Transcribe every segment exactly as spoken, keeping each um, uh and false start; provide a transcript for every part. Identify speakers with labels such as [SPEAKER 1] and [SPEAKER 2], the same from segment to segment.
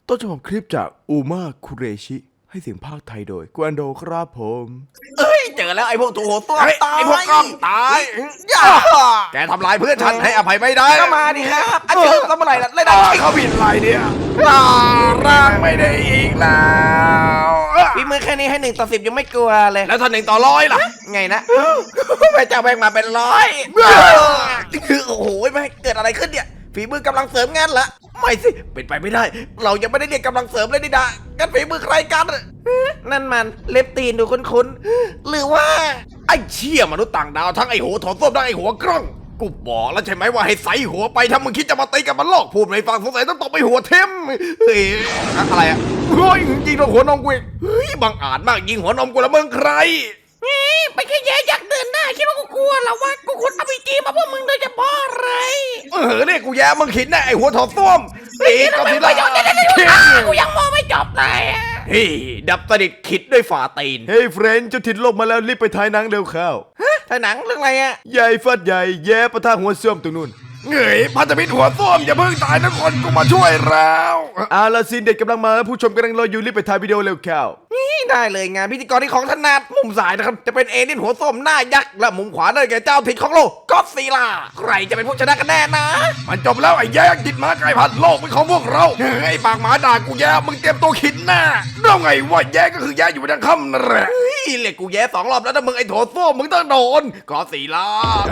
[SPEAKER 1] ต้นฉบับคลิปจากอูมาคุเรชิให้เสียงภาคไทยโดยกวนโดครับผม
[SPEAKER 2] เอ้ยเจอแล้วไอ้พวกตัวโหดตัว
[SPEAKER 3] เฮ้ย
[SPEAKER 2] ตาย
[SPEAKER 3] ไอ้พวกกล้องตาย
[SPEAKER 2] อย่า
[SPEAKER 3] แกทำลายเพื่อนฉันให้อภัยไม่ได้
[SPEAKER 2] ก็มาดิครับอาเจอทำอะไรล่ะเล่น
[SPEAKER 3] อ่า
[SPEAKER 2] อะไร
[SPEAKER 3] เขาผิดอะไรเนี่ยอ่าร่างไม่ได้อีกแล้วอ่ะ
[SPEAKER 2] พี่มือแค่นี้ให้หนึ่งต่อสิบยังไม่กลัวเลย
[SPEAKER 3] แล้วถ้าหนึ่งต่อร้อยล่ะ
[SPEAKER 2] ไงนะแม่เจ้าแบงมาเป็นร้อยคือโอ้โหแม่เกิดอะไรขึ้นเนี่ยฝีมือกำลังเสริมงานละไม่สิเป็นไปไม่ได้ เรายังไม่ได้เรียกกำลังเสริมเลยนี่ดางั้นฝีมือใครกันนั่นมันเล็บตีนดูคุ้นๆหรือว่า
[SPEAKER 3] ไอ้เชี่ยมนุษย์ต่างดาวทั้งไอ้หัวถอนส้วมทั้งไอ้หัวกล้องกูบอกแล้วใช่ไหมว่าให้ใส่หัวไปถ้ามึงคิดจะมาตีกับมันลอกพูดไม่ฟังสงสัยต้องตบไปหัวเทมเฮ้ยอะไรอ่ะเฮ้ยยิงโดนหัวนมกูอีกเฮ้ยบังอาจมากยิงหัวนมกูแล้วมึงใคร
[SPEAKER 2] ไปแค่แย่อยากเดินหน้าคิดว่ากูกลัวเหรอวะกูคนอภิจีมาพวกมึงโดยเฉพาะเลย
[SPEAKER 3] เออเนี่ยกูแย่มึงขิดแน่ไอ้หัวถอดส้วมตีก็ทีละ
[SPEAKER 2] กูยังมองไม่จบเลย
[SPEAKER 3] เฮ้ยดับสนิทขิดด้วยฝ่าตีน
[SPEAKER 1] เฮ้ยเฟรนด์เจ้าถิ่นลบมาแล้วรีบไปถ่ายหนังเร็วเข้า
[SPEAKER 2] ถ้าหนังเรื่องอะไรอะ
[SPEAKER 1] ใหญ่ฟัดใหญ่แย่ประทะหัวเสื่อมตรงนู้น
[SPEAKER 3] เงยพันธมิตรหัวส้วมอย่าเพิ่งตายนะคนกูมาช่วยแล้ว
[SPEAKER 1] อาลาซีนเด็ดกำลังมาผู้ชมกำลังรออยู่รีบไปถ่ายวิดีโอเร็วเข้า
[SPEAKER 2] นี่ได้เลยงานพิธีกรที่ของถนัดมุมซ้ายนะครับจะเป็นเอเลี่ยนหัวส้มหน้ายักษ์และมุมขวาได้แก่เจ้าถิ่นของโลกก็อดซีล่าใครจะเป็นผู้ชนะกันแน่นะ
[SPEAKER 3] มันจบแล้วไอ้แย่จิตหมาไก่พันโลกเป็นของพวกเราเฮ้ยไอ้ปากหมาด่ากูแย่มึงเตรียมตัวขิดหน้าแล้วไงว่าแย่ก็คือแย่อยู่บนทางค่ำนั่นแหละ
[SPEAKER 2] เฮ้ยเรียกกูแย่สองรอบแล้วถ้ามึงไอ้โถส้วมมึงต้องโดน
[SPEAKER 3] ก็สีลา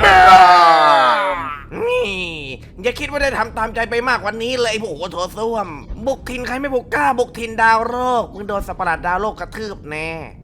[SPEAKER 2] นี่อย่าคิดว่าได้ทำตามใจไปมากกวันนี้เลยไอ้พวกหัวโถส้วม บุกถิ่นใครไม่บุกกล้าบุกถิ่นดาวโลกมึงโดนสัตว์ประหลาดดาวโลกกระทืบแน่